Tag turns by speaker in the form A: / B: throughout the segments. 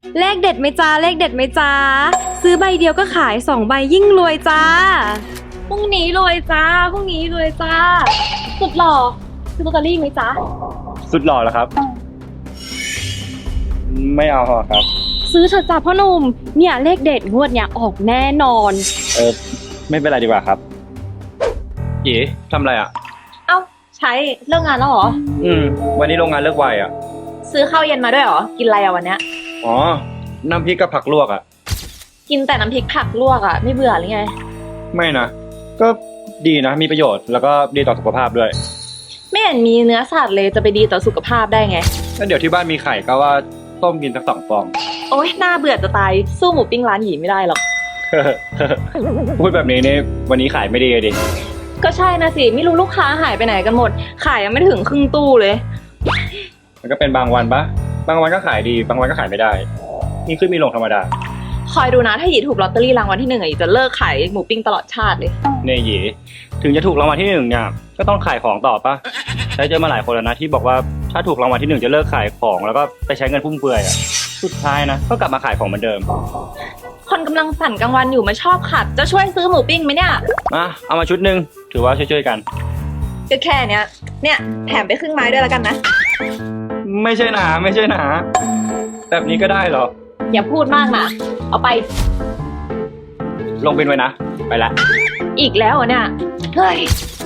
A: เลขเด็ดไหมจ้าเลขเด็ดไหมจ้าซื้อใบเดียวก็ขาย2 ใบยิ่งรวยจ้าพรุ่งนี้รวยจ้าพรุ่งนี้รวยจ้าสุดหล่อซื้อลอตเตอรี่ไหมจ้า
B: สุดหล่อแล้วครับ ไม่เอาครับ
A: ซื้อเถอะจ้าพ่อหนุ่มเนี่ยเลขเด็ดงวดเนี่ยออกแน่นอน
B: ไม่เป็นไรดีกว่าครับหยีทำอะไรอ่ะ
C: เอ้าใช้เลิกงานแล้วเหรอ
B: วันนี้โรงงานเลิกไวอ่ะ
C: ซื้อข้าวเย็นมาด้วยเหรอ กินอะไรอะวันเนี้ย
B: อ๋อ น้ำพริกกับผักลวกอ่ะ
C: กินแต่น้ำพริกผักลวกอะไม่เบื่อหรือไง
B: ไม่นะ ก็ดีนะ มีประโยชน์ แล้วก็ดีต่อสุขภาพด้วย
C: ไม่เห็นมีเนื้อสัตว์เลยจะไปดีต่อสุขภาพได้ไง
B: แล้วเดี๋ยวที่บ้านมีไข่ก็ว่าต้มกินสัก2 ฟอง
C: โอ๊ยน่าเบื่อจะตายสู้หมูปิ้งร้านหยีไม่ได้หรอก
B: พูดแบบนี้นี่วันนี้ขายไม่ดีเลยดิ
C: ก็ใช่นะสิไม่รู้ลูกค้าหายไปไหนกันหมด ขายยังไม่ถึงครึ่งตู้เลย
B: มันก็เป็นบางวันปะบางวันก็ขายดี บางวันก็ขายไม่ได้ มีขึ้นมีลงธรรมดา
C: คอยดูนะถ้าหยีถูกลอตเตอรี่รางวัลที่1อะหยีจะเลิกขายหมูปิ้งตลอดชาติเลย
B: เนี่ยหยีถึงจะถูกรางวัลที่1เนี่ย ก็ต้องขายของต่อปะใช้เจอมาหลายคนแล้วนะที่บอกว่าถ้าถูกรางวัลที่1จะเลิกขายของแล้วก็ไปใช้เงินฟุ่มเฟือยอ่ะ สุดท้ายนะก็กลับมาขายของเหมือนเดิม
C: คนกำลังสั่นกลางวันอยู่มาชอบขัด จะช่วยซื้อหมูปิ้งไหมเนี่ย
B: เอามาชุดหนึ่งถือว่าช่วยๆกัน
C: ก็แค่เนี้ยเนี่ยแถมไปครึ่งไม้ด้วยแล้วกันนะ
B: ไม่ใช่หนาไม่ใช่หนาแบบนี้ก็ได้เหรอ
C: อย่าพูดมากนะเอาไป
B: ลงบินไว้นะ ไปละ
C: อีกแล้วเหรอเนี่ยเฮ้ย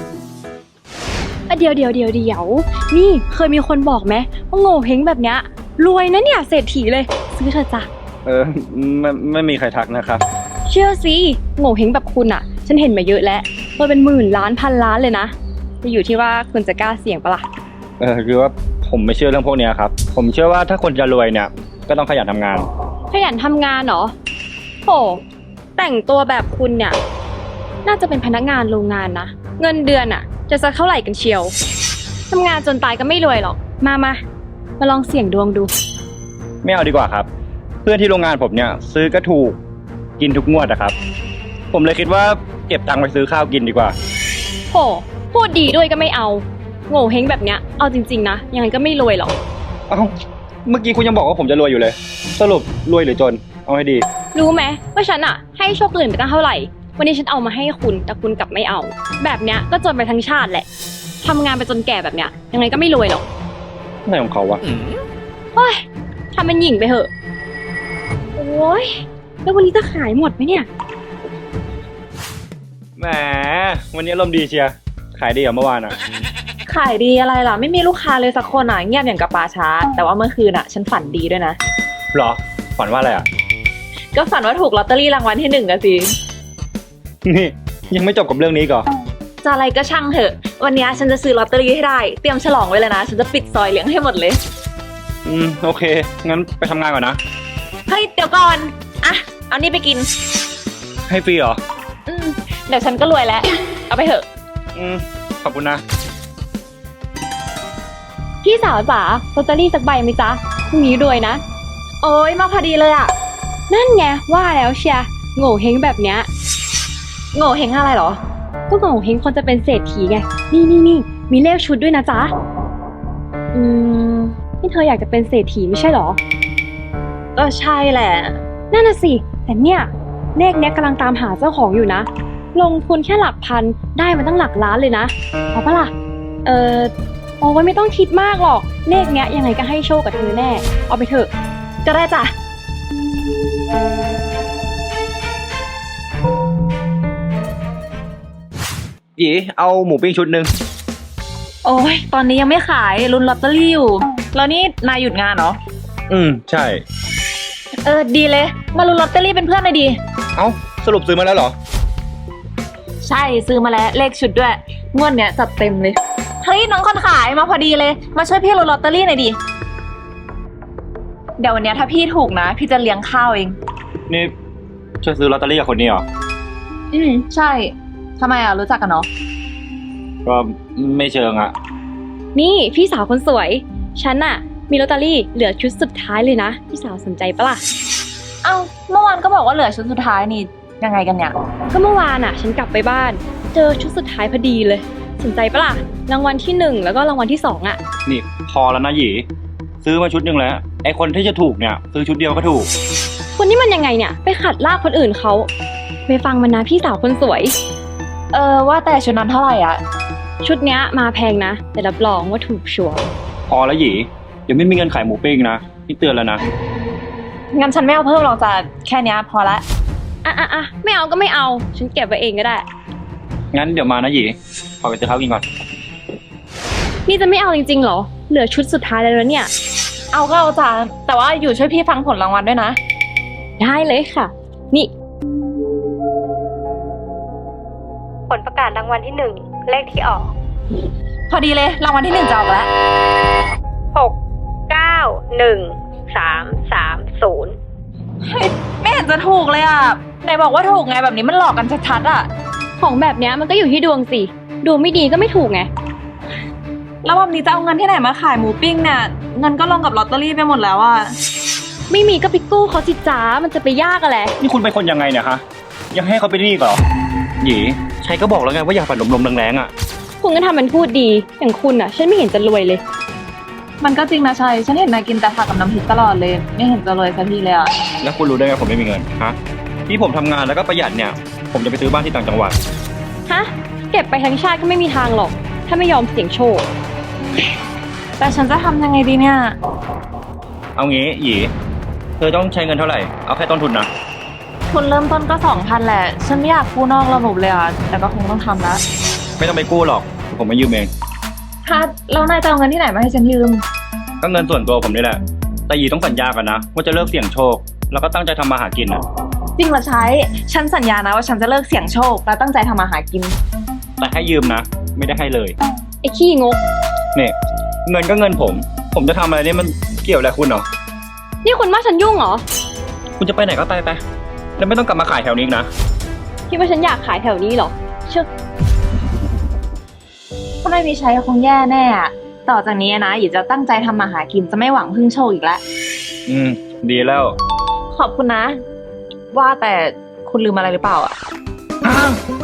A: เดี๋ยวนี่เคยมีคนบอกไหมว่าโง่เฮงแบบเนี้ยรวยนะเนี่ยเศรษฐีเลยซื้อเถอะจ้ะ
B: ไม่มีใครทักนะครับ
A: เชื่อสิโง่เฮงแบบคุณอ่ะ ฉันเห็นมาเยอะแล้วรวยเป็นหมื่นล้านพันล้านเลยนะจะอยู่ที่ว่าคุณจะกล้าเสี่ยงปะล่ะ
B: คือว่าผมไม่เชื่อเรื่องพวกเนี้ยครับ ผมเชื่อว่าถ้าคนจะรวยเนี่ยก็ต้องขยันทำงาน
A: ขยันทำงานเหรอโหแต่งตัวแบบคุณเนี่ยน่าจะเป็นพนักงานโรงงานนะเงินเดือนอ่ะจะสักเท่าไหร่กันเชียวทำงานจนตายก็ไม่รวยหรอกมาลองเสี่ยงดวงดู
B: ไม่เอาดีกว่าครับ เพื่อนที่โรงงานผมเนี่ยซื้อก็ถูกกินทุกงวดนะครับ ผมเลยคิดว่าเก็บตังค์ไปซื้อข้าวกินดีกว่า
A: โหพูดดีด้วยก็ไม่เอาโง่เฮงแบบเนี้ยเอาจริงๆนะยังไงก็ไม่รวยหรอก
B: เอ้าเมื่อกี้คุณยังบอกว่าผมจะรวยอยู่เลย สรุปรวยหรือจนเอาให้ดี
A: รู้ไหมว่าฉันอะให้โชคอื่นไปตั้งเท่าไหร่วันนี้ฉันเอามาให้คุณแต่คุณกลับไม่เอา แบบเนี้ยก็จนไปทั้งชาติแหละทำงานไปจนแก่แบบเนี้ยยังไงก็ไม่รวยหรอก
B: อะไรของเขาวะ
A: เฮ้ยทำเป็นหญิงไปเถอะโอ้ยแล้ววันนี้จะขายหมดไหมเนี่ย
B: แหมวันนี้อารมณ์ดีเชียร์ขายดีกว่าเมื่อวานอ่ะ
C: ขายดีอะไรล่ะไม่มีลูกค้าเลยสักคนอ่ะเงียบอย่างกับป่าช้า แต่ว่าเมื่อคืนอ่ะฉันฝันดีด้วยนะ
B: หรอฝันว่าอะไรอ่ะ
C: ก็ฝันว่าถูกลอตเตอรี่รางวัลที่1อะสิ
B: นี่ยังไม่จบกับเรื่องนี้ก่อน
C: จะอะไรก็ช่างเถอะ วันนี้ฉันจะซื้อลอตเตอรี่ให้ได้เตรียมฉลองไว้เลยนะฉันจะปิดซอยเลี้ยงให้หมดเลย
B: โอเคงั้นไปทำงานก่อนนะ
C: เฮ้ยเดี๋ยวก่อนอ่ะเอานี่ไปกิน
B: ให้ฟรีเหรอ
C: เดี๋ยวฉันก็รวยแล้วเอาไปเถอะ
B: ขอบคุณนะ
A: พี่สาวจ๋าลอตเตอรี่สักใบไหมจ๊ะพรุ่งนี้รวยนะ
C: โอ้ยมาพอดีเลยอ่ะ
A: นั่นไงว่าแล้วเชียร์โง่เฮงแบบเนี้ย
C: โง่เฮงอะไรเหรอ
A: ก็โง่เฮงคนจะเป็นเศรษฐีไงนี่มีเลขชุดด้วยนะจ๊ะนี่เธออยากจะเป็นเศรษฐีไม่ใช่เหรอ
C: ก็ใช่แหละ
A: นั่นน่ะสิแต่เนี่ยเลขเนี้ยกำลังตามหาเจ้าของอยู่นะลงทุนแค่หลักพันได้มาตั้งหลักล้านเลยนะเอาปะล่ะโอ้ยไม่ต้องคิดมากหรอกเลขเนี้ยยังไงก็ให้โชคกับเธอแน่เอาไปเถอะ
C: ก็ได้จ้ะ
B: หยีเอาหมูปิ้งชุดหนึ่ง
C: โอ้ยตอนนี้ยังไม่ขายลุ้นลอตเตอรี่อยู่แล้วนี่นายหยุดงานเหรอ
B: ใช่
C: ดีเลยมาลุ้นลอตเตอรี่เป็นเพื่อนหน่อยดี
B: เอ้าสรุปซื้อมาแล้วเหรอ
C: ใช่ซื้อมาแล้วเลขชุดด้วยงวดเนี้ยจัดเต็มเลยเฮ้ยน้องคนขายมาพอดีเลยมาช่วยพี่ลุ้นลอตเตอรี่หน่อยดิเดี๋ยววันเนี้ยถ้าพี่ถูกนะพี่จะเลี้ยงข้าวเอง
B: นี่ช่วยซื้อลอตเตอรี่กับคนนี้เหรอ
C: ใช่ทำไมอ่ะรู้จักกันเนาะ
B: ก็ไม่เชิงอ่ะ
A: นี่พี่สาวคนสวยฉันน่ะมีลอตเตอรี่เหลือชุดสุดท้ายเลยนะพี่สาวสนใจปะล่ะ
C: เอ้าเมื่อวานก็บอกว่าเหลือชุดสุดท้ายนี่ยังไงกันเนี่ย
A: ก็เมื่อวานอ่ะฉันกลับไปบ้านเจอชุดสุดท้ายพอดีเลยสนใจปะล่ะรางวัลที่1แล้วก็รางวัลที่2อ่ะ
B: นี่พอแล้วนะหยีซื้อซื้อมาชุดหนึ่งแล้วไอคนที่จะถูกเนี่ยซื้อชุดเดียวก็ถูก
A: คุณนี่มันยังไงเนี่ย ไปขัดลากคนอื่นเขาไปฟังมันนะพี่สาวคนสวย
C: ว่าแต่ชุดนั้นเท่าไหร่อ่ะ
A: ชุดเนี้ยมาแพงนะ แต่รับรองว่าถูกชัวร์
B: พอแล้วหยีเดี๋ยวไม่มีเงินขายหมูปิ้งนะนี่เตือนแล้วนะ
C: งั้นฉันไม่เอาเพิ่มหรอกจ้ะแค่เนี้ยพอละ
A: อ่ะไม่เอาก็ไม่เอา ฉันเก็บไว้เองก็ได้
B: งั้นเดี๋ยวมานะหยีขอไปซื้อข้าวกินก่อน
A: นี่จะไม่เอาจริงๆเหรอ เหลือชุดสุดท้ายแล้วเนี่ย
C: เอาก็เอาจ้ะแต่ว่าอยู่ช่วยพี่ฟังผลรางวัลด้วยนะ
A: ได้เลยค่ะ นี่ ผลประกาศรางวัลที่หนึ่งเลขที่ออก
C: พอดีเลยรางวัลที่ 1จะออกแล้ว
A: 6913330
C: เฮ้ยไม่เห็นจะถูกเลยอ่ะไหนบอกว่าถูกไงแบบนี้มันหลอกกันชัดๆอ่ะ
A: ของแบบเนี้ยมันก็อยู่ที่ดวงสิดวงไม่ดีก็ไม่ถูกไง
C: แล้วแบบนี้จะเอาเงินที่ไหนมาขายหมูปิ้งเนี่ยเงินก็ลงกับลอตเตอรี่ไปหมดแล้วอ่ะ
A: ไม่มีก็ไปกู้เขาสิจ้ามันจะไปยากอะไร
B: นี่คุณเป็นคนยังไงเนี่ยคะยังให้เขาไปนี่อีกเหรอหยีใครก็บอกแล้วไงว่าอย่าฝันลมๆแรงๆอ่ะ
A: คุณก็ทำมันพูดดี อย่างคุณอ่ะ ฉันไม่เห็นจะรวยเลย
C: มันก็จริงนะชัยฉันเห็นนายกินแต่ผักกับน้ำพริกตลอดเลย ไม่เห็นจะรวยสักทีเลยอ่ะ
B: แล้วคุณรู้ได้ไงผมไม่มีเงินฮะที่ผมทำงานแล้วก็ประหยัดเนี่ย ผมจะไปซื้อบ้านที่ต่างจังหวัด
A: ฮะ เก็บไปทั้งชาติก็ไม่มีทางหรอก ถ้าไม่ยอมเสี่ยงโชค
C: แต่ฉันจะทำยังไงดีเนี่ย
B: เอางี้หยีเธอต้องใช้เงินเท่าไหร่เอาแค่ต้นทุนนะ
C: ทุนเริ่มต้นก็ 2,000 แหละ ฉันไม่อยากกู้นอกระบบเลยอ่ะแต่ก็คงต้องทำละ
B: ไม่ต้องไปกู้หรอกผมมายืมเอง
C: ถ้าแล้วนายจะเอาเงินที่ไหนมาให้ฉันยืม
B: ก็เงินส่วนตัวผมนี่แหละแต่หยีต้องสัญญากันนะว่าจะเลิกเสี่ยงโชค แล้วก็ตั้งใจทำมาหากินนะ
C: จริงเหรอใช้ฉันสัญญานะว่าฉันจะเลิกเสี่ยงโชคและตั้งใจทำมาหากิน
B: แต่ให้ยืมนะ ไม่ได้ให้เลย
A: ไอ้ขี้งก
B: เนี่ยเงินก็เงินผมจะทำอะไรเนี่ยมันเกี่ยวอะไรคุณเหรอ
A: นี่คุณว่าฉันยุ่งเหรอ
B: คุณจะไปไหนก็ไปไปแล้วไม่ต้องกลับมาขายแถวนี้อีกนะ
A: คิดว่าฉันอยากขายแถวนี้เหรอ เชื่อ
C: ถ้าไม่มีใช้คงแย่แน่อะต่อจากนี้นะหยีจะตั้งใจทำมาหากินจะไม่หวังพึ่งโชคอีกแล้ว
B: ดีแล้ว
C: ขอบคุณนะ ว่าแต่คุณลืมอะไรหรือเปล่าอ่ะ
B: อ้าว